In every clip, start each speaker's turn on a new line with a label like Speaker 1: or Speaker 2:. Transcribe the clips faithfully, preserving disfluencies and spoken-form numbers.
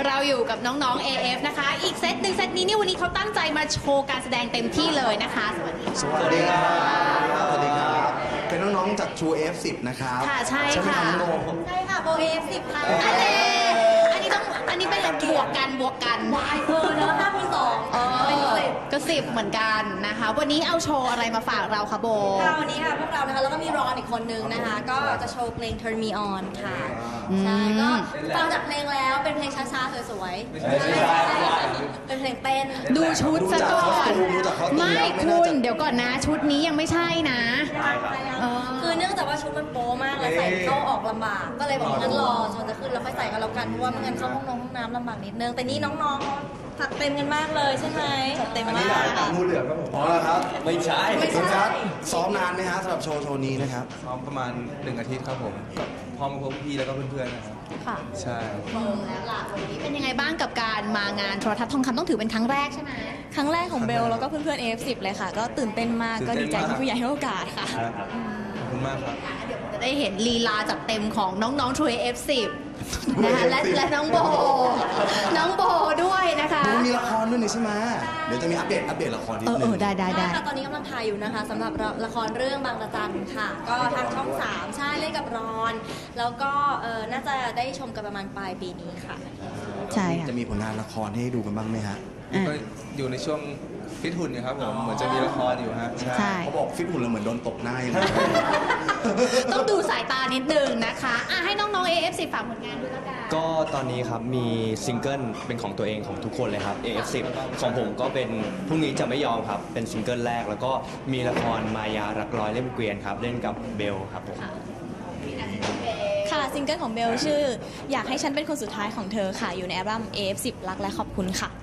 Speaker 1: เราอยู่กับน้องๆ เอ เอฟ นะคะอีกเซตหนึ่งเซตนี้นี่วันนี้เขาตั้งใจมาโชว์การแสดงเต็มที่เลยนะคะสวัสดีค่ะ
Speaker 2: สวัสดีครับสวัสดีครับเป็นน้องๆจาก True เอ เอฟ สิบ นะครับ
Speaker 1: ค่ะใช่ค่ะ
Speaker 3: ใช่ค่ะโบ เอ เอฟ สิบ ค่ะ
Speaker 1: อันนี้อันนี้ต้องอันนี้เป็นบวกกันบวกกัน
Speaker 3: เออเนอะห้าคูณสอง
Speaker 1: เออก็สิบเหมือนกันนะคะ วันนี้เอาโชว์อะไรมาฝากเราคะโบ
Speaker 3: ค่ะวันนี้ค่ะพวกเรานะคะแล้วก็มีรอนอีกคนนึงนะคะ ก็จะโชว์เพลง Turn Me On ค่ะใช่ก็ฟังจากเพลงแล้วเป็นเพลงช้าๆสวยๆเป็นเพลงเต้น
Speaker 1: ดูชุดซะก่อน
Speaker 2: ดูจากคอสตูม
Speaker 1: ไม่
Speaker 2: แล้วไม่
Speaker 1: คุ
Speaker 2: น่า
Speaker 1: ณ
Speaker 2: จะ
Speaker 1: เดี๋ยวก่อนนะชุดนี้ยังไม่ใช่นะ เออ
Speaker 3: คือเนื่องจากว่าชุดมันโป๊มากแล้วใส่เข้าออกลำบาก ก็เลยบอกงั้นรอจนจะขึ้นแล้วค่อยใส่กันแล้วกันเพราะว่าไม่งั้นเข้าห้องนงห้องน้ำลำบากนิดนึงแต่นี่น้องๆถักเต็มกันมากเลยใช่ไหมจัดเต็มมาก
Speaker 2: งูเหลือมครับผมอ๋อเหรอครับ
Speaker 4: ไม่ใช่
Speaker 3: ไม่ใช่
Speaker 2: คุณครับซ้อมนานไหมฮะสำหรับโชว์โชว์นี้นะครับ
Speaker 4: ซ้อมประมาณหนึ่งอาทิตย์ครับผมกับพร้อมกับพวกพี่แล้วก็เพื่อนๆนะครับ
Speaker 1: ค่ะ
Speaker 4: ใช่
Speaker 1: แล้วล่ะวันนี้เป็นยังไงบ้างกับการมางานโทรทัศน์ทองคำต้องถือเป็นครั้งแรกใช่ไหม
Speaker 5: ครั้งแรกของเบลแล้วก็เพื่อนๆ เอ เอฟ สิบ เลยค่ะ ก็ตื่นเต้นมากก็ดีใจที่ผู้ใหญ่ให้โอกาสค่ะ
Speaker 4: ขอบคุณมากครับ
Speaker 1: เดี๋ยวจะได้เห็นลีลาจัดเต็มของน้องๆ True เอ เอฟ สิบ นะคะและและน้องโบ น้องโบด้วยนะคะ
Speaker 2: ดูมีละครด้วยนี่ใช่ไหมเดี๋ยวจะมีอัปเดตอัปเดตละครนิด
Speaker 1: เออ
Speaker 2: นึ
Speaker 1: เอง อได้ได้ได้
Speaker 3: ค่ะตอนนี้กำลังถ่ายอยู่นะคะสำหรับละครเรื่องบางระจันค่ะ ก็ทางช่องสามใช่เล่นกับรอน แล้วก็เออน่าจะได้ชมกันประมาณปลายปีนี้ค่ะ
Speaker 1: ใช่ค่ะ
Speaker 2: จะมีผลงานละครให้ดูกันบ้างไหมฮะ
Speaker 1: อ่ะ
Speaker 4: ก็อยู่ในช่วงฟิตหุ่นอยู่ครับผม เหมือนจะมีละครอยู่ฮะ
Speaker 1: ใช่
Speaker 2: เขาบอกฟิตหุ่นเราเหมือนโดนตบหน้าอย่างนี้
Speaker 1: ต้องดูสายตานิดนึงนะคะอ่ะให้น้องๆ เอ เอฟ สิบ ฝากผลงานด้วยละกัน
Speaker 6: ก็ตอนนี้ครับมีซิงเกิลเป็นของตัวเองของทุกคนเลยครับ เอ เอฟ สิบ ของผมก็เป็นพรุ่งนี้จะไม่ยอมครับ เป็นซิงเกิลแรกแล้วก็มีละครมายารักร้อยเล่มเกวียนครับ เล่นกับเบลครับผม
Speaker 5: ค่ะซิงเกิลของเบลชื่อ อยากให้ฉันเป็นคนสุดท้ายของเธอค่ะ อยู่ในอัลบั้ม เอ เอฟ สิบ รักและขอบคุณค่ะ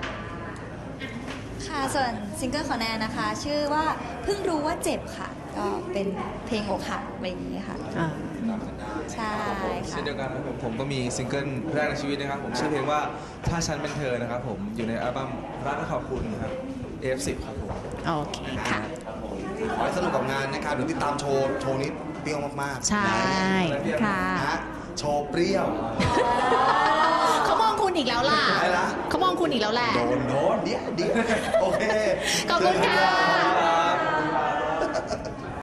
Speaker 7: ค่ะส่วนซิงเกิลของแนนนะคะ ชื่อว่าเพิ่งรู้ว่าเจ็บค่ะ ก็เป็นเพลงอกหักอะไรอย่างนี้ค่ะ
Speaker 1: อ่า
Speaker 7: ใช่
Speaker 4: เช่
Speaker 7: ค่ะ
Speaker 4: นเดียวกันครับผมผมก็มีซิงเกิลแรกในชีวิตนะครับผมชื่อเพลงว่าถ้าฉันเป็นเธอนะครับผมอยู่ในอัลบั้มรักและขอบคุณครับ เอ เอฟ สิบ ครับผม
Speaker 1: โอเคค่ะ
Speaker 2: ขอให้สนุกกับงานนะครับเดี๋ยวติดตามโชว์โชว์นี้เปรี้ยวมากๆ
Speaker 1: ใช่ค่ะ
Speaker 2: นะฮะโชว์เปรี้ยว
Speaker 1: เขามองคุณอีกแล้วล่ะ
Speaker 2: อะไรนะ
Speaker 1: เขามองคุณอีกแล้วแหละ
Speaker 2: โดนโดนเดี๋ยวเดี๋ยวโอเค
Speaker 1: ขอบคุณค่ะ